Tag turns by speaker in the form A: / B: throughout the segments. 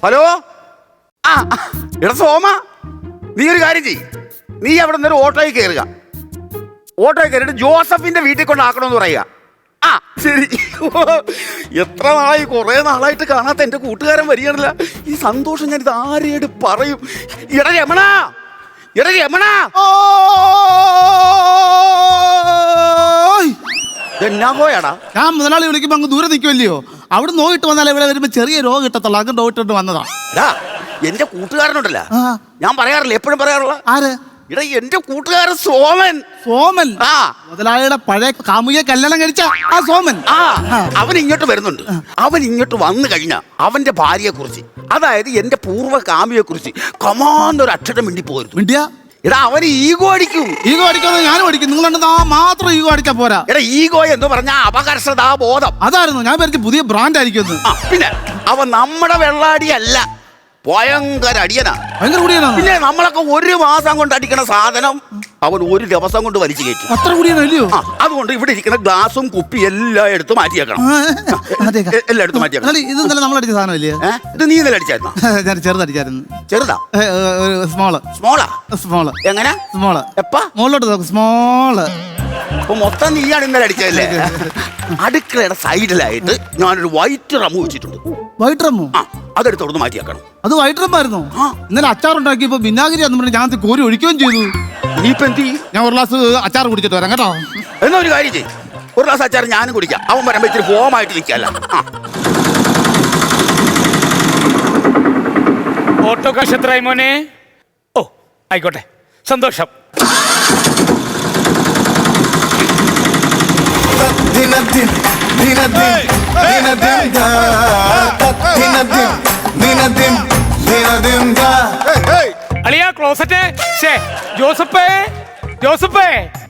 A: Hello. ആ എടാ സോമ, നീ ഒരു കാര്യം ചെയ്യ്. നീ അവിടെ നിന്ന് ഒരു ഓട്ടോയിൽ കയറുക. ഓട്ടോയിൽ കയറിയിട്ട് ജോസഫിന്റെ വീട്ടിൽ കൊണ്ടാക്കണമെന്ന് പറയുക. ആ ശരി. എത്ര നാളായി, കുറേ നാളായിട്ട് കാണാത്ത എൻ്റെ കൂട്ടുകാരൻ വരികയാണല്ല. ഈ സന്തോഷം ഞാനിത് ആരെയോട് പറയും? എടാ രമണ, എടാ രമണ. എന്നാ പോയാടാ?
B: ഞാൻ മുതലാളി വിളിക്കുമ്പോ അങ്ങ് ദൂരെ നിൽക്കുമല്ലയോ, അവിടെ നോക്കിട്ട് വന്നാൽ ഇവിടെ വരുമ്പോ ചെറിയ രോഗം കിട്ടത്തുള്ളൂ. അങ്ങ് നോക്കിട്ട് വന്നതാ.
A: എന്റെ കൂട്ടുകാരനുണ്ടല്ലോ, ഞാൻ പറയാറില്ല, എപ്പോഴും പറയാറുള്ള.
B: ആര്?
A: എടാ എന്റെ കൂട്ടുകാരൻ സോമൻ.
B: സോമൻ?
A: ആ,
B: മുതലാളിയുടെ പഴയ കാമുകിയെ കല്യാണം കഴിച്ച ആ സോമൻ.
A: ആ, അവൻ ഇങ്ങോട്ട് വരുന്നുണ്ട്. അവൻ ഇങ്ങോട്ട് വന്നു കഴിഞ്ഞാ അവന്റെ ഭാര്യയെ കുറിച്ച്, അതായത് എന്റെ പൂർവ്വ കാമുകിയെ കുറിച്ച് കമാന്നൊരു അക്ഷരം മിണ്ടി പോരുന്നു.
B: മിണ്ടിയാ
A: എടാ അവന് ഈഗോ അടിക്കും.
B: ഈഗോ അടിക്കാതെ ഞാനും അടിക്കും. നിങ്ങളുണ്ടെന്ന് ആ മാത്രം ഈഗോ അടിക്കാൻ പോരാ.
A: എടാ ഈഗോ എന്ന് പറഞ്ഞാൽ അപകർഷതാ ബോധം.
B: അതായിരുന്നു ഞാൻ പേർക്ക് പുതിയ ബ്രാൻഡ് ആയിരിക്കും.
A: പിന്നെ അവൻ നമ്മുടെ വെള്ളാടിയല്ല, ഭയങ്കര അടിയനാ.
B: ഭയങ്കര കുടിയനാ.
A: പിന്നെ നമ്മളൊക്കെ ഒരു മാസം കൊണ്ട് അടിക്കണ സാധനം അവൻ ഒരു ദിവസം കൊണ്ട് വലിച്ചു കയറ്റി.
B: അത്ര കുടിയനല്ലയോ?
A: അതുകൊണ്ട് ഇവിടെ ഇരിക്കുന്ന ഗ്ലാസും കുപ്പി എല്ലാം എടുത്ത് മാറ്റിയേക്കണം. എല്ലാം എടുത്ത് മാറ്റിയേക്കണം.
B: ഇത് ഇന്നലെ നമ്മളടിച്ച സാധനമല്ലേ?
A: ഇത് നീ ഇന്നലെ അടിച്ചായിരുന്നോ?
B: ഞാൻ ചെറുതടിച്ചായിരുന്നു.
A: ചെറുതാ?
B: സ്മോള്.
A: എങ്ങനെ?
B: സ്മോള്.
A: എപ്പാ
B: മുകളിലോട്ട് നോക്ക്. സ്മോള്.
A: അപ്പൊ മൊത്തം നീയാണ് ഇന്നലെ അടിച്ചതല്ലേ? അടുക്കളയുടെ സൈഡിലായിട്ട് ഞാനൊരു വൈറ്റ് റമ്മ് വെച്ചിട്ടുണ്ട്.
B: വൈറ്റ് റമ്മോ?
A: അതെടുത്ത് അവിടുന്ന് മാറ്റിയേക്കണം.
B: അത് വൈറ്റ് റമ്മായിരുന്നോ? ഇന്നലെ അച്ചാറുണ്ടാക്കിയപ്പോ വിനാഗിരി അന്ന് ഞാൻ കോരി ഒഴിക്കുകയും ചെയ്തു.
A: ഇനിയിപ്പോ എന്ത്?
B: ഞാൻ ഒരു ഗ്ലാസ് അച്ചാർ കുടിച്ചിട്ട് വരാം കേട്ടോ.
A: എന്നാ ഒരു കാര്യം ചെയ്യും, ഒരു ഗ്ലാസ് അച്ചാർ ഞാനും കുടിക്കാം. അവൻ വരുമ്പോ ഇച്ചിരി ഫോമായിട്ട് നിൽക്കല്ല.
C: ഓട്ടോ കാശ് എത്രയായി മോനെ? ഓ ആയിക്കോട്ടെ, സന്തോഷം. അളിയാ ക്ലോസറ്റ്. ജോസഫേ, ജോസഫേ,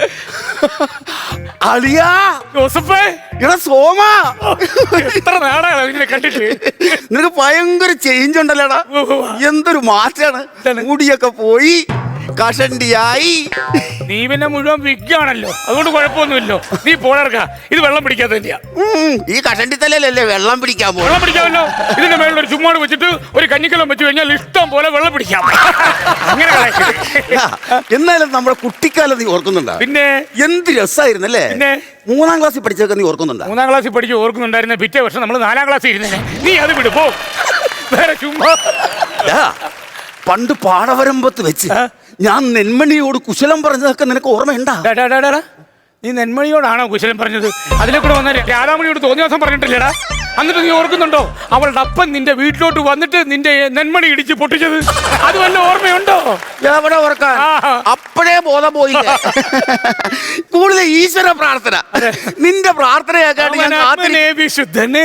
A: അളിയാ,
C: ജോസഫേ.
A: എടാ സോമ,
C: എത്ര നാടാണ് ഇതിനെ കണ്ടിട്ട്.
A: നിനക്ക് ഭയങ്കര ചേഞ്ച് ഉണ്ടല്ലോടാ. എന്തൊരു മാറ്റാണ്. മുടിയൊക്കെ പോയി, കഷണ്ടിയായി.
C: നീ പിന്നെ മുഴുവൻ വിഗാണല്ലോ, അതുകൊണ്ട് കുഴപ്പമൊന്നുമില്ലോ. നീ പോളർക്ക, ഇത് വെള്ളം പിടിക്കാത്ത തന്നെയാ.
A: ഈ കഷണ്ടി തലല്ലേ വെള്ളം പിടിക്കാൻ പോകും.
C: വെള്ളം പിടിക്കാമല്ലോ. ഇതിന്റെ മേളിൽ ഒരു ചുമ്മാട് വെച്ചിട്ട് ഒരു കഞ്ഞിക്കലം വെച്ച് കഴിഞ്ഞാൽ ഇഷ്ടം പോലെ വെള്ളം പിടിക്കാം. അങ്ങനെ
A: എന്നാലും നമ്മുടെ കുട്ടിക്കാലം നീ ഓർക്കുന്നുണ്ടോ?
C: പിന്നെ
A: എന്ത് രസമായിരുന്നല്ലേ.
C: പിന്നെ
A: 3ാം ക്ലാസ്സിൽ പഠിച്ചതൊക്കെ നീ ഓർക്കുന്നുണ്ടോ?
C: 3ാം ക്ലാസ്സിൽ പഠിച്ച് ഓർക്കുന്നുണ്ടായിരുന്ന. പിറ്റേ വർഷം നമ്മൾ 4ാം ക്ലാസ്സിൽ ഇരുന്നേ. നീ അത് വിടുപ്പോ. വേറെ ചുമ്മാ
A: പണ്ട് പാടവരമ്പത്ത് വെച്ച് ഞാൻ നെന്മണിയോട് കുശലം പറഞ്ഞതൊക്കെ നിനക്ക് ഓർമ്മയുണ്ടാ?
C: നീ നെന്മണിയോടാണോ കുശലം പറഞ്ഞത്? അതിലെ കൂടെ വന്ന രാധാമണിയോട് തോന്നിയ ദിവസം പറഞ്ഞിട്ടില്ലേടാ? എന്നിട്ട് നീ ഓർക്കുന്നുണ്ടോ അവളുടെ അപ്പൻ നിന്റെ വീട്ടിലോട്ട് വന്നിട്ട് നിന്റെ നെന്മണി ഇടിച്ച് പൊട്ടിച്ചത്? അത് വല്ല ഓർമ്മയുണ്ടോ?
A: എവിടെ ഓർക്കാൻ? അപ്പോഴേ ബോധം പോയി. കൂടുതൽ ഈശ്വര പ്രാർത്ഥന, നിന്റെ പ്രാർത്ഥനയാക്കാണ്ട്
C: വിശുദ്ധനേ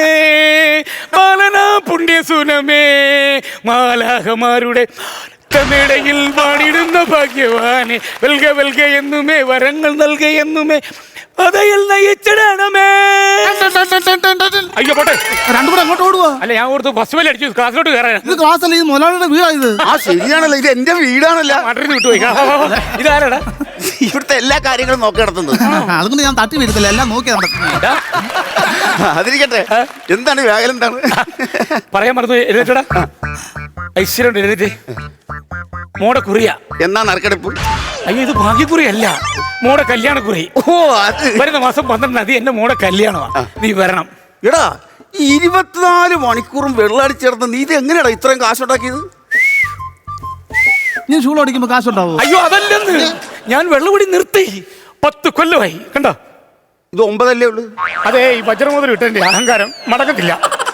C: പുണ്യസൂനമേ മാലാഹമാരുടെ മേടയിൽ വാണിടുന്ന ഭാഗ്യവാനെ വെൽക വെൽക എന്നുമേ വരങ്ങൾ നൽക എന്നുമേ അതയിൽ നയിച്ചിടണമേ. അയ്യോ പോട്ടെ,
B: രണ്ടും കൂടെ അങ്ങോട്ട് ഓടുവാ.
C: അല്ല ഞാൻ ഓർത്ത് ബസ് വല്ല അടിച്ചു ക്ലാസ്സിലോട്ട് കയറാൻ.
B: ഇത് ക്ലാസ് അല്ല, ഇത് മുതലാളിയുടെ വീടാ. ഇത്
A: ശരിയാണല്ലോ, ഇത് എന്റെ വീടാണല്ലോ.
C: മടങ്ങി വിട്ടുപോയി. ഇതാരാടാ?
A: ഇവിടുത്തെ എല്ലാ കാര്യങ്ങളും നോക്കി നടത്തുന്നത്.
B: അതുകൊണ്ട് ഞാൻ തട്ടി വീഴത്തില്ല, എല്ലാം നോക്കി നടത്തുന്നു.
A: അതിരിക്കട്ടെ, എന്താണ് വേഗം? എന്താണ്
C: പറയാൻ മറന്നു. എഴുന്നേറ്റടാ. ഐശ്വര്യം എഴുന്നേറ്റ്. മോടെ കുറിയ
A: എന്നാ നറുക്കെടുപ്പ്?
C: അയ്യോ ഇത് ഭാഗ്യക്കുറിയല്ല, മോടെ കല്യാണക്കുറി.
A: ഓ അത്
C: വരുന്ന മാസം 12-ാം തീയതി എന്റെ മോടെ കല്യാണമാ. നീ വരണം.
A: എടാ 24 മണിക്കൂറും വെള്ളടിച്ചേർന്ന് നീ ഇത് എങ്ങനെയാടാ ഇത്രയും കാശുണ്ടാക്കിയത്?
B: ഞാൻ ഷൂൾ അടിക്കുമ്പോ കാശുണ്ടാവും.
C: അയ്യോ അതല്ലെന്ന്, ഞാൻ വെള്ളപൊടി നിർത്തി 10 കൊല്ലമായി. കണ്ടോ,
A: ഇത് 9 അല്ലേ ഉള്ളു.
C: അതെ, ഈ വജ്രമോതിരം ഇട്ടെന്റെ അഹങ്കാരം മടക്കത്തില്ല.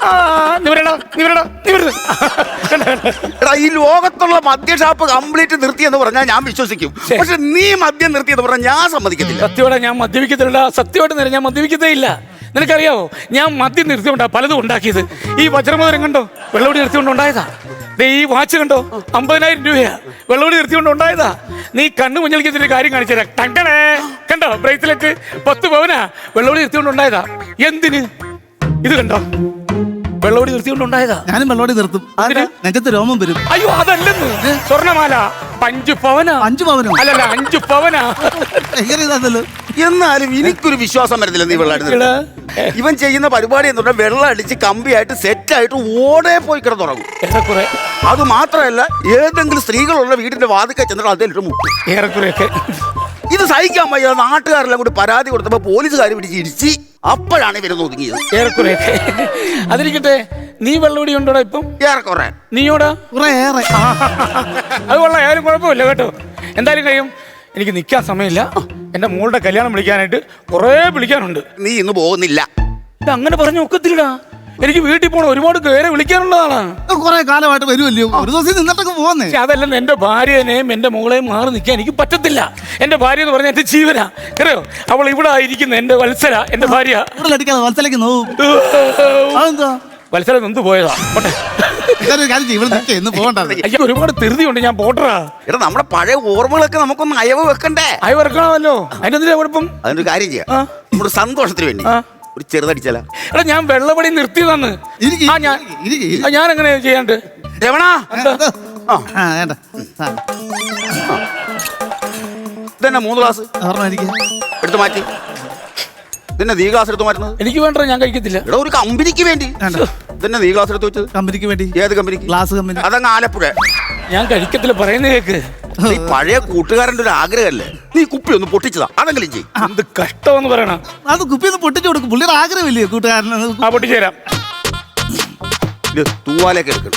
A: എടാ ഈ ലോകത്തുള്ള മദ്യഷാപ്പ് കംപ്ലീറ്റ് നിർത്തിയെന്ന് പറഞ്ഞാൽ ഞാൻ വിശ്വസിക്കും. പക്ഷെ നീ മദ്യം നിർത്തിയെന്ന് പറഞ്ഞാൽ ഞാൻ സമ്മതിക്കത്തില്ല.
C: സത്യമായിട്ട് ഞാൻ മദ്യപിക്കത്തില്ല. സത്യമായിട്ട് ഞാൻ മദ്യപിക്കത്തേ ഇല്ല. നിനക്കറിയാവോ, ഞാൻ മദ്യം നിർത്തിക്കൊണ്ടാ പലതും ഉണ്ടാക്കിയത്. ഈ വജ്രമോതിരം കണ്ടോ, വെള്ളപൊടി നിർത്തിക്കൊണ്ട് ഉണ്ടായതാ. ഈ വാച്ച് കണ്ടോ, 50,000 രൂപയാ, വെള്ളപൊടി നിർത്തിക്കൊണ്ട് ഉണ്ടായതാ. നീ കണ്ണു മുഞ്ഞളിക്കത്തിന്റെ കാര്യം കാണിച്ചു തരാം. ടങ്കണേ കണ്ടോ, ബ്രേസ്ലെറ്റ് 10 പവനാ, വെള്ളപൊടി നിർത്തിക്കൊണ്ട് ഉണ്ടായതാ. എന്തിന്? ഇത് കണ്ടോ, വെള്ളോടി നിർത്തിക്കൊണ്ടുണ്ടായതാ.
B: ഞാനും വെള്ളോടി നിർത്തും. നെഞ്ചത്ത് രോമം വരും.
C: അയ്യോ അതല്ലെന്ന്, സ്വർണ്ണമാല 5 പവനാ.
B: 5 പവനോ?
C: അല്ലല്ല 5 പവനാ.
B: എങ്ങനെ ഇതാന്നല്ലോ?
A: എന്നാലും എനിക്കൊരു വിശ്വാസം വരുന്നില്ല നീ വെള്ളം അടിച്ചിട്ട്. ഇവൻ ചെയ്യുന്ന പരിപാടി എന്ന് പറഞ്ഞാൽ വെള്ളം അടിച്ച് കമ്പിയായിട്ട് സെറ്റായിട്ട് ഓടെ പോയി കിടന്നുറങ്ങും.
C: ഏറെക്കുറെ.
A: അത് മാത്രമല്ല ഏതെങ്കിലും സ്ത്രീകളുള്ള വീടിന്റെ വാതിക്കൽ ചെന്നിട്ട് അതിലിട്ട് മുട്ടും.
C: ഏറെക്കുറെയൊക്കെ.
A: ഇത് സഹിക്കാൻ വയ്യ. നാട്ടുകാരെല്ലാം കൂടി പരാതി കൊടുത്തപ്പോ പോലീസുകാർ പിടിച്ച് ഇടിച്ച് അപ്പോഴാണ് ഇവരൊന്ന് ഒതുങ്ങിയത്.
C: ഏറെക്കുറെയൊക്കെ. അതിരിക്കട്ടെ, നീ വെള്ളോടി ഉണ്ടോടാ ഇപ്പം?
A: ഏറെക്കുറെ.
C: നീയോടാ?
B: കുറെ ഏറെ.
C: അത് കൊള്ളാം, ആരും കുഴപ്പമില്ല കേട്ടോ. എന്തായാലും കഴിയും. എനിക്ക് നിൽക്കാൻ സമയമില്ല. എന്റെ മോളുടെ കല്യാണം വിളിക്കാനായിട്ട് കുറേ വിളിക്കാനുണ്ട്.
A: നീ ഇന്ന് പോകുന്നില്ല.
C: ഇത് അങ്ങനെ പറഞ്ഞു ഒക്കത്തില്ലടാ. എനിക്ക് വീട്ടിൽ പോകണം, ഒരുപാട് പേരെ വിളിക്കാനുള്ളതാണ്.
B: കുറെ കാലമായിട്ട് വരുമല്ലോ, ഒരു ദിവസം നിന്നിട്ടൊക്കെ പോകുന്നേ.
C: പക്ഷെ അതല്ല, എന്റെ ഭാര്യനെയും എന്റെ മോളെയും മാറി നിൽക്കാൻ എനിക്ക് പറ്റത്തില്ല. എന്റെ ഭാര്യ എന്ന് പറഞ്ഞാൽ എന്റെ ജീവനാ, അറിയോ? അവൾ ഇവിടെ ആയിരിക്കുന്ന എന്റെ വത്സല, എന്റെ ഭാര്യ.
B: ഇവിടെ അടിക്കാതെ വത്സലേക്ക് നോവും. അതെന്താ?
C: വത്സല നിന്ന് പോയതാ. അയ്യോ, ഒരുപാട് ധൃതിയുണ്ട്, ഞാൻ പോട്ടറാ.
A: എടാ നമ്മുടെ പഴയ ഓർമ്മകളൊക്കെ നമുക്കൊന്ന് അയവ് വെക്കണ്ടേ?
C: അയവ് വെക്കണമല്ലോ. അതിനെന്തിനാ കുഴപ്പം?
A: അതിനൊരു കാര്യം ചെയ്യാം. നമ്മുടെ സന്തോഷത്തിന് വേണ്ടി ഒരു ചെറുതടിച്ചാല.
C: എടാ ഞാൻ വെള്ളപടി നിർത്തി തന്ന്. ഞാൻ എങ്ങനെ ചെയ്യാണ്ട്?
A: രമണ, ഇതന്നെ 3 ഗ്ലാസ് എടുത്ത് മാറ്റി. ഇതന്നെ നീ ഗ്ലാസ് എടുത്ത് മാറ്റുന്നത്?
C: എനിക്ക് വേണ്ട, ഞാൻ കഴിക്കത്തില്ല.
A: ഇവിടെ ഒരു കമ്പനിക്ക് വേണ്ടി ഇതന്നെ നീ ഗ്ലാസ് എടുത്ത് വെച്ചത്?
B: കമ്പനിക്ക് വേണ്ടി?
A: ഏത് കമ്പനിക്ക്?
B: Glass company.
A: അതങ്ങ് ആലപ്പുഴ.
C: ഞാൻ കഴിക്കത്തില്ല, പറയുന്ന കേക്ക്.
A: നീ പഴയ കൂട്ടുകാരന്റെ ഒരു ആഗ്രഹമല്ലേ, നീ കുപ്പി ഒന്ന് പൊട്ടിച്ചതാ, അതെങ്കിലും ചെയ്യും.
C: എന്ത് കഷ്ടമെന്ന് പറയണ.
B: അത് കുപ്പി ഒന്ന് പൊട്ടിച്ചു കൊടുക്കും. പുള്ളിയുടെ ആഗ്രഹമില്ലേ കൂട്ടുകാരന്?
C: ആ, പൊട്ടിച്ചേരാം.
A: തൂവാലേക്ക് എടുക്കണം.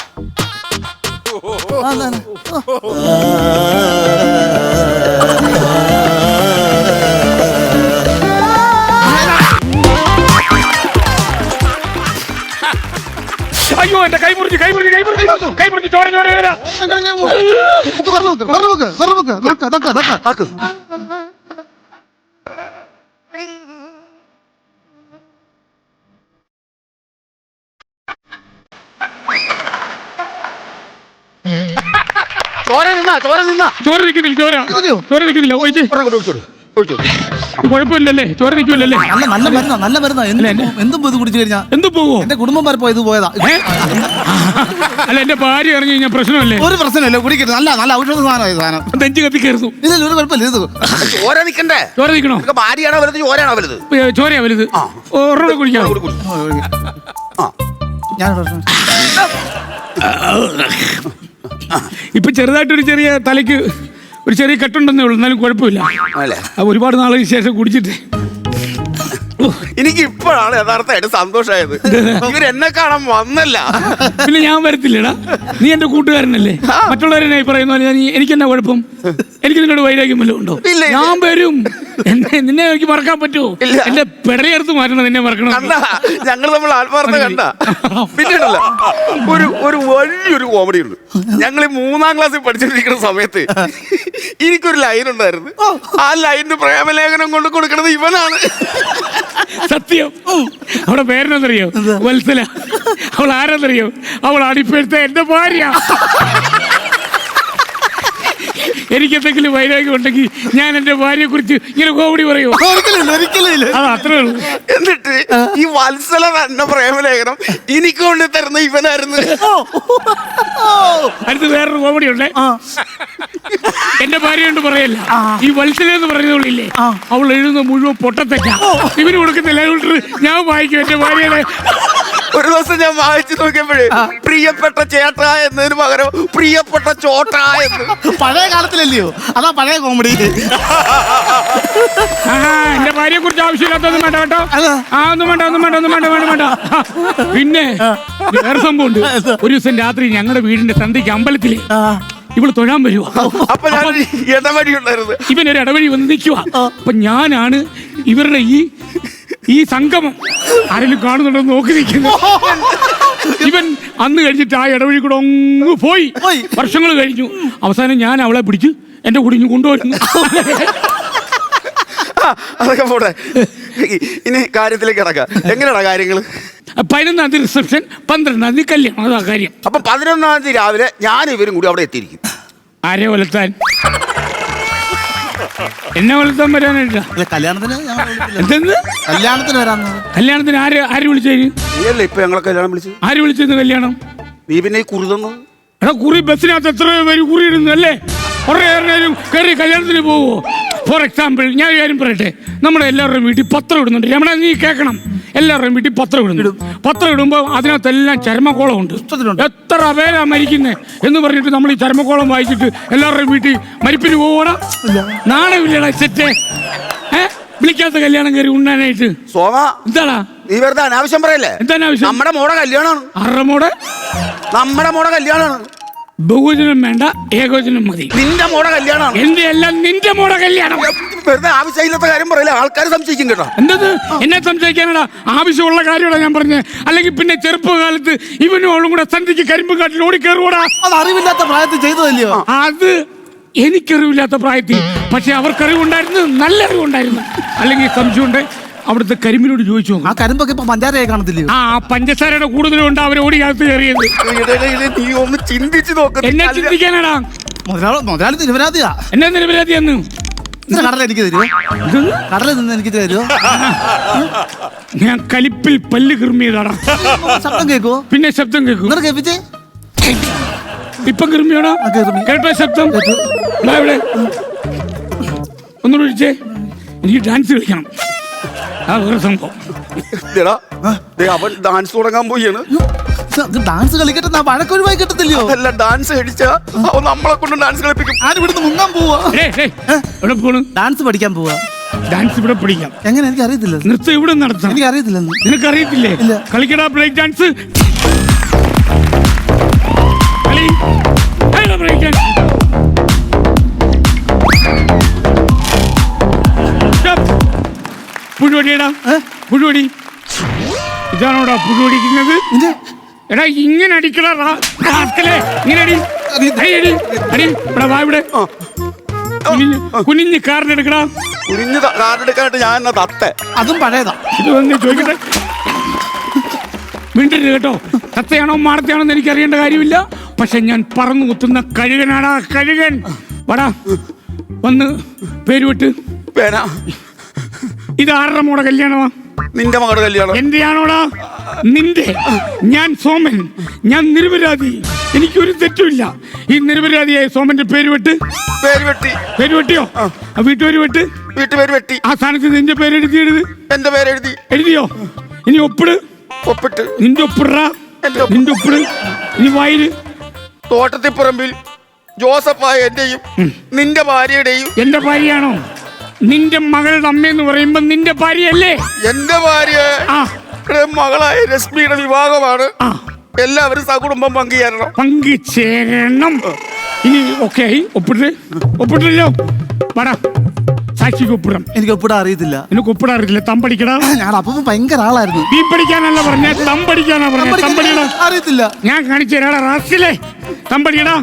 C: അയ്യോ, എന്റെ കൈ മുറിച്ച് ചോര ചോര വരാ. ചോര നിൽക്കുന്നില്ല. കുഴപ്പമില്ലല്ലേ? ചോര നിൽക്കില്ലല്ലേ?
B: നല്ല മരുന്നാ. എന്തും പോയി കുടിച്ചു കഴിഞ്ഞാൽ
C: എന്ത് പോവോ?
B: എന്റെ കുടുംബം വരെ പോയത് പോയതാ.
C: അല്ല, എന്റെ ഭാര്യ ഇറങ്ങി കഴിഞ്ഞാൽ പ്രശ്നമല്ലേ?
B: ഒരു പ്രശ്നമില്ല, കുടിക്കരുത്. നല്ല ഔഷധ സാധനം.
C: നെഞ്ച് കത്തിക്കരുത്.
B: ഇതിൽ ഒരു കുഴപ്പമില്ല. ഇത്
A: ചോര നിൽക്കണ്ടേ?
C: ചോര നിൽക്കണോ?
A: ഭാര്യയാണോ വലുത്, ചോരയാണോ വലുത്?
C: ചോരയാ വലുത്. ഒരെണ്ണം കുടിക്കാം. ഇപ്പൊ ചെറുതായിട്ടൊരു ചെറിയ തലയ്ക്ക് ഒരു ചെറിയ കെട്ടുണ്ടെന്നേ ഉള്ളൂ, എന്നാലും കുഴപ്പമില്ല. ഒരുപാട് നാളിന് ശേഷം കുടിച്ചിട്ട്
A: എനിക്ക് ഇപ്പോഴാണ് യഥാർത്ഥമായിട്ട് സന്തോഷമായത്. ഇവരെന്നെ കാണാൻ വന്നല്ല.
C: പിന്നെ ഞാൻ വരത്തില്ലടാ, നീ എന്റെ കൂട്ടുകാരനല്ലേ. മറ്റുള്ളവരെ പറയുന്ന പോലെ എനിക്ക് എന്നാ കുഴപ്പം? എനിക്ക് നിങ്ങളുടെ വൈരാഗ്യം വല്ലതും ഉണ്ടോ? ഞാൻ വരും. നിന്നെ എനിക്ക് മറക്കാൻ പറ്റുമോ? എന്റെ പെടലെടുത്ത് മാറ്റണം, നിന്നെ മറക്കണം.
A: ഞങ്ങൾ നമ്മൾ ആത്മാർത്ഥ കണ്ട. പിന്നീടല്ല, ഒരു വലിയൊരു കോമഡി ഉണ്ട്. ഞങ്ങൾ 3ാം ക്ലാസ്സിൽ പഠിച്ചിരിക്കുന്ന സമയത്ത് എനിക്കൊരു ലൈൻ ഉണ്ടായിരുന്നു. ആ ലൈനിന് പ്രേമലേഖനം കൊണ്ട് കൊടുക്കണത് ഇവനാണ്.
C: സത്യം. അവളുടെ പേരെന്നറിയോ? വത്സല. അവൾ ആരെന്നറിയോ? അവളാണ് ഇപ്പോഴത്തെ എന്റെ ഭാര്യ. എനിക്ക് എന്തെങ്കിലും വൈരാഗ്യം ഉണ്ടെങ്കിൽ ഞാൻ എന്റെ ഭാര്യയെ കുറിച്ച് ഇങ്ങനെ കോമഡി പറയുമോ? അത് അത്രേ ഉള്ളൂ.
A: എന്നിട്ട് ഈ വത്സല തന്നെ പ്രേമലേഖനം എനിക്ക് കൊണ്ട് തരുന്ന ഇവനായിരുന്നു.
C: അടുത്ത് വേറൊരു കോമഡി ഉണ്ടേ. എന്റെ ഭാര്യ കൊണ്ട് പറയല്ല, ഈ വത്സല എന്ന് പറയുന്നവളില്ലേ, അവൾ എഴുതുന്ന മുഴുവൻ പൊട്ടത്തെറ്റാ. ഇവന് കൊടുക്കുന്നില്ല, ഞാൻ വായിക്കും എന്റെ ഭാര്യയുടെ.
A: ഒരു ദിവസം ഞാൻ വായിച്ചു നോക്കിയപ്പോഴേ പ്രിയപ്പെട്ട ചേട്ട എന്നതിന് പകരം പ്രിയപ്പെട്ട ചോട്ട എന്ന്.
B: പഴയ കാലത്തിലല്ലയോ, അതാ പഴയ കോമഡി.
C: എന്റെ ഭാര്യയെ കുറിച്ച് ആവശ്യമില്ലാത്തൊന്നും വേണ്ട കേട്ടോ. ഒന്നും വേണ്ട. പിന്നെ വേറെ സംഭവം ഉണ്ട്. ഒരു ദിവസം രാത്രി ഞങ്ങളുടെ വീടിന്റെ തന്തയ്ക്ക് അമ്പലത്തില് ഇവള് തൊഴാൻ വരുവാ.
A: അപ്പൊ ഞാൻ ഇടവഴി ഉണ്ടായിരുന്നു.
C: ഇവനൊരു ഇടവഴി വന്ന് നിൽക്കുക. അപ്പൊ ഞാനാണ് ഇവരുടെ ഈ സംഗമം ആരെങ്കിലും കാണുന്നുണ്ടോ നോക്കി നിൽക്കുന്നു. ഇവൻ അന്ന് കഴിഞ്ഞിട്ട് ആ ഇടവഴി കൂടെ അങ്ങ് പോയി. വർഷങ്ങൾ കഴിഞ്ഞു. അവസാനം ഞാൻ അവളെ പിടിച്ച് എന്റെ കൂടെ ഇങ്ങ് കൊണ്ടുവരുന്നു.
A: അതൊക്കെ പോട്ടെ, ഇനി കാര്യത്തിലേക്ക് കിടക്കാം. എങ്ങനെയാണോ കാര്യങ്ങള്?
C: 11-ാം തീയതി റിസപ്ഷൻ, 12-ാം തീയതി കല്യാണം. അതാ കാര്യം.
A: അപ്പൊ 11-ാം തീയതി രാവിലെ ഞാൻ ഇവരും കൂടി അവിടെ എത്തിയിരിക്കും.
C: ആരെ വലത്താൻ? എന്നെ വളർത്താൻ വരാനായിട്ടാ?
B: അല്ല കല്യാണത്തിന് ഞങ്ങൾ വിളിച്ചില്ല.
C: എന്തെന്ന്?
B: കല്യാണത്തിന് വരാന്ന്.
C: കല്യാണത്തിന് ആര് വിളിച്ചേന്?
A: നീയല്ലേ ഇപ്പൊ ഞങ്ങളെ കല്യാണം വിളിച്ചു?
C: ആര് വിളിച്ചെന്ന് കല്യാണം?
A: നീ പിന്നെ ഈ കുറുതന്ന്
C: എടാ കുറി ബസ്സിനകത്ത് എത്ര പേര് കുറി ഇടുന്നു അല്ലേ? കുറെ നേരം കയറി കല്യാണത്തിന് പോവോ? ഫോർ എക്സാമ്പിൾ ഞാൻ ഒരു കാര്യം പറയട്ടെ, നമ്മുടെ എല്ലാവരുടെയും വീട്ടിൽ പത്രം ഇടുന്നുണ്ട്. രമണ നീ കേൾക്കണം, എല്ലാവരുടെയും വീട്ടിൽ പത്രം ഇടുന്നു. പത്രം ഇടുമ്പോൾ അതിനകത്തെല്ലാം ചരമക്കോളം ഉണ്ട്. എത്ര പേരാ മരിക്കുന്നേ എന്ന് പറഞ്ഞിട്ട് നമ്മൾ ഈ ചരമക്കോളം വായിച്ചിട്ട് എല്ലാവരുടെയും വീട്ടിൽ മരിപ്പിന് പോവണം? നാണമില്ലടാ സെറ്റ്. വിളിക്കാത്ത കല്യാണം കയറി ഉണ്ണാനായിട്ട്.
A: സോമ
C: എന്താടാ
A: നീ വെറുതെ അനാവശ്യം പറയല്ലേ?
C: എന്താണ് ആവശ്യം?
A: നമ്മുടെ മോടെ കല്യാണമാണ്.
C: ആരുടെ മോടെ?
A: നമ്മുടെ മോടെ കല്യാണമാണ്.
C: ബഹുവചനം വേണ്ട, ഏകവചനം മതി.
A: നിന്റെ മോടെ കല്യാണമാണ്.
C: എന്റെ എല്ലാം നിന്റെ മോടെ കല്യാണം.
A: വെറുതെ ആവശ്യമില്ലാത്ത കാര്യം പറയില്ല, ആൾക്കാർ സംശയിക്കും കേട്ടോ.
C: എന്തത്? എന്നെ സംശയിക്കാനടാ? ആവശ്യമുള്ള കാര്യമാണ് ഞാൻ പറഞ്ഞത്. അല്ലെങ്കിൽ പിന്നെ ചെറുപ്പകാലത്ത് ഇവനും അവളും കൂടെ സന്ധിക്ക് കരിമ്പ് കാട്ടിൽ ഓടിക്കേറുകൂടാ.
B: അത് അറിവില്ലാത്ത പ്രായത്തിൽ ചെയ്തതല്ലയോ?
C: അത് എനിക്കറിവില്ലാത്ത പ്രായത്തിൽ, പക്ഷെ അവർക്കറിവുണ്ടായിരുന്നു, നല്ല അറിവുണ്ടായിരുന്നു. അല്ലെങ്കിൽ സംശയമുണ്ട്, അവിടുത്തെ കരിമ്പിനോട് ചോദിച്ചു.
B: ആ കരിമ്പൊക്കെ ഇപ്പൊ പഞ്ചാരയായി കാണത്തില്ലയോ?
C: ആ പഞ്ചസാരയുടെ കൂടുതലുണ്ട് അവർ ഓടിക്കകത്ത് കയറിയത്.
A: നീ ഒന്ന് ചിന്തിച്ചു നോക്ക്.
C: എന്നെ ചിന്തിക്കാനാടാ?
B: മുതലാളി നിരപരാധിയാ.
C: എന്നെ നിരപരാധിയാന്ന്.
B: കടല എനിക്ക് തരുമോ? കടല നിന്ന് എനിക്ക് തരുമോ?
C: ഞാൻ കലിപ്പിൽ പല്ല് കിർമിയതാടാ.
B: ശബ്ദം കേൾക്കുവോ?
C: പിന്നെ ശബ്ദം കേൾക്കും.
B: ഇങ്ങനെ കേൾപ്പിച്ചേ.
C: ഇപ്പം കിർമിയാണോ? കേട്ടോ ശബ്ദം? ഇവിടെ ഒന്നുകൂടെ വിളിച്ചേ. എനിക്ക് ഡാൻസ് കളിക്കണം. ആ വേറെ സംഭവം.
A: അവൻ ഡാൻസ് തുടങ്ങാൻ പോയാണ്.
B: ഡാൻസ് കളിക്കട്ടെ, വഴക്കൊരുവായി കിട്ടത്തില്ലയോ?
A: അല്ല ഡാൻസ് അടിച്ച അവൻ നമ്മളെ കൊണ്ട് ഡാൻസ് കളിപ്പിക്കും.
B: ആരും ഇവിടുന്ന് മുങ്ങാൻ പോവാ.
C: എവിടെ പോണു?
B: ഡാൻസ് പഠിക്കാൻ പോവാ.
C: ഡാൻസ് ഇവിടെ പഠിക്കാം.
B: എങ്ങനെ? എനിക്ക് അറിയത്തില്ല.
C: നൃത്തം ഇവിടെ നടത്താം.
B: എനിക്ക് അറിയത്തില്ലെന്ന്.
C: നിനക്ക് അറിയത്തില്ലേ? കളിക്കടാ ബ്രേക്ക് ഡാൻസ്. Break dance. പുഴുവടിയടാ, പുഴുവടി. ഇതാണോടാ പുഴുവടിക്കുന്നത്? എടാ ഇങ്ങനെ അടിക്കടാ, ഇങ്ങനെ അടി. അടി ഇവിടെ വാ. ഇവിടെ കുനിഞ്ഞ് കാറിനെടുക്കടാ.
A: കുനിഞ്ഞ് കാറിനെടുക്കാനായിട്ട് ഞാൻ എന്നാ തത്തെ.
B: അതും പഴയതാ.
C: ഇത് വന്ന് ചോദിക്കട്ടെ. മിണ്ടരുത് കേട്ടോ. തത്തയാണോ മാടത്തെയാണോ എന്ന് എനിക്ക് അറിയേണ്ട കാര്യമില്ല. പക്ഷെ ഞാൻ പറന്നു കുത്തുന്ന കഴുകനാടാ, കഴുകൻ. വാടാ വന്ന് പേര് വിട്ട്.
A: പേന.
C: ഇത് ആരുടെ മോടെ കല്യാണമാ?
A: നിന്റെ മകളുടെ കല്യാണം.
C: എന്റെ ആണോടാ? നിന്റെ. ഞാൻ സോമൻ, ഞാൻ നിരപരാധി, എനിക്കൊരു തെറ്റുമില്ല. ഈ നിരപരാധിയായ സോമന്റെ പേര് വെട്ട്.
A: പേര് വെട്ടി.
C: പേര് വെട്ടിയോ? വീട്ടുപേര് വെട്ട്.
A: വീട്ടുപേര് വെട്ടി.
C: ആ സ്ഥാനത്ത് നിന്റെ പേര് എഴുതി.
A: എന്റെ പേര് എഴുതി.
C: എഴുതിയോ? ഇനി ഒപ്പിട്.
A: ഒപ്പിട്ട്.
C: നിന്റെ ഒപ്പിടാ. നിന്റെ ഒപ്പിട്. ഇനി വായില്.
A: തോട്ടത്തിപ്പറമ്പിൽ ജോസഫായ എന്റെയും നിന്റെ ഭാര്യയുടെയും.
C: എന്റെ ഭാര്യയാണോ? നിന്റെ മകളുടെ അമ്മയെന്ന് പറയുമ്പോ നിന്റെ ഭാര്യയല്ലേ?
A: എന്റെ ഭാര്യ മകളായ രശ്മിയുടെ വിവാഹമാണ്. എല്ലാവരും സകുടുംബം
C: പങ്കുചേരണം. ഇനി ഓക്കെ ആയി. ഒപ്പിട്ടില്ലോ? വേടാ സാക്ഷിക്ക് ഒപ്പിടാം.
B: എനിക്ക് ഒപ്പിടാൻ അറിയത്തില്ല.
C: എനിക്ക് ഒപ്പിടാൻ അറിയില്ല. തമ്പടിക്കടാ.
B: ഞാൻ അപ്പം ഭയങ്കര ആളായിരുന്നു.
C: തീ പഠിക്കാനല്ല പറഞ്ഞ, തമ്പടിക്കാനാ പറഞ്ഞ. തമ്പടിയടാ.
B: അറിയത്തില്ല.
C: ഞാൻ കാണിച്ചു തരാടാ റാസിലെ. തമ്പടിയടാ.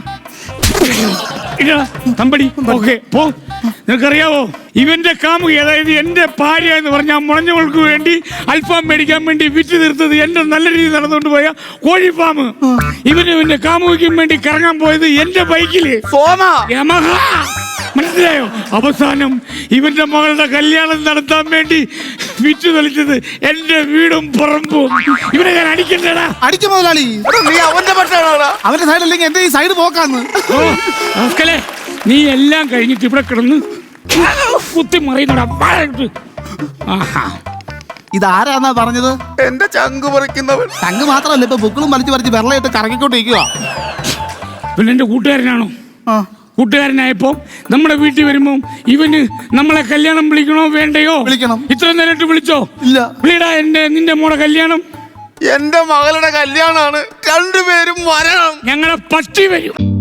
C: തമ്പടി. ഓക്കെ പോ. നിനക്കറിയാവോ ഇവന്റെ കാമുകി, അതായത് എന്റെ ഭാര്യ എന്ന് പറഞ്ഞാൽ മുളഞ്ഞവൾക്ക് വേണ്ടി അൽഫാം മേടിക്കാൻ വേണ്ടി വിറ്റ് തീർത്തത് എന്റെ നല്ല രീതിയിൽ നടന്നുകൊണ്ട് പോയ കോഴി ഫാം. ഇവന്റെ കാമുകിക്കും വേണ്ടി കറങ്ങാൻ പോയത് എന്റെ ബൈക്കില് യമഹ. മനസ്സിലായോ? അവസാനം ഇവന്റെ മകളുടെ കല്യാണം നടത്താൻ വേണ്ടി വിറ്റ് തെളിച്ചത് എന്റെ വീടും പറമ്പും. ഇവനെ ഞാൻ അടിക്കണ്ടേടാ.
B: അടിക്കും മുതലാളി. അവന്റെ സൈഡ് അല്ലെങ്കിൽ എന്റെ ഈ സൈഡ് പോക്കാന്ന്.
C: നീ എല്ലാം കഴിഞ്ഞിട്ട് ഇവിടെ കിടന്ന് കുത്തി മറിയുന്നടാ.
B: ഇതാരാന്നാ പറഞ്ഞത്?
A: എന്റെ ചങ്ക് പറിക്കുന്നവൻ.
B: ചങ്ക് മാത്രമല്ല, ഇപ്പൊ ബുക്കിളും വലിച്ചു വെള്ളയിട്ട് കറങ്ങിക്കൊണ്ടിരിക്കുക.
C: പിന്നെ എന്റെ കൂട്ടുകാരനാണോ? കൂട്ടുകാരനായപ്പോ നമ്മുടെ വീട്ടിൽ വരുമ്പോ ഇവന് നമ്മളെ കല്യാണം വിളിക്കണോ വേണ്ടയോ?
B: വിളിക്കണം.
C: ഇത്ര നേരിട്ട് വിളിച്ചോ?
B: ഇല്ല.
C: വിളിടാ. നിന്റെ മോടെ കല്യാണം.
A: എന്റെ മകളുടെ കല്യാണമാണ്. രണ്ടുപേരും വരണം.
C: ഞങ്ങളെ പട്ടി വരും.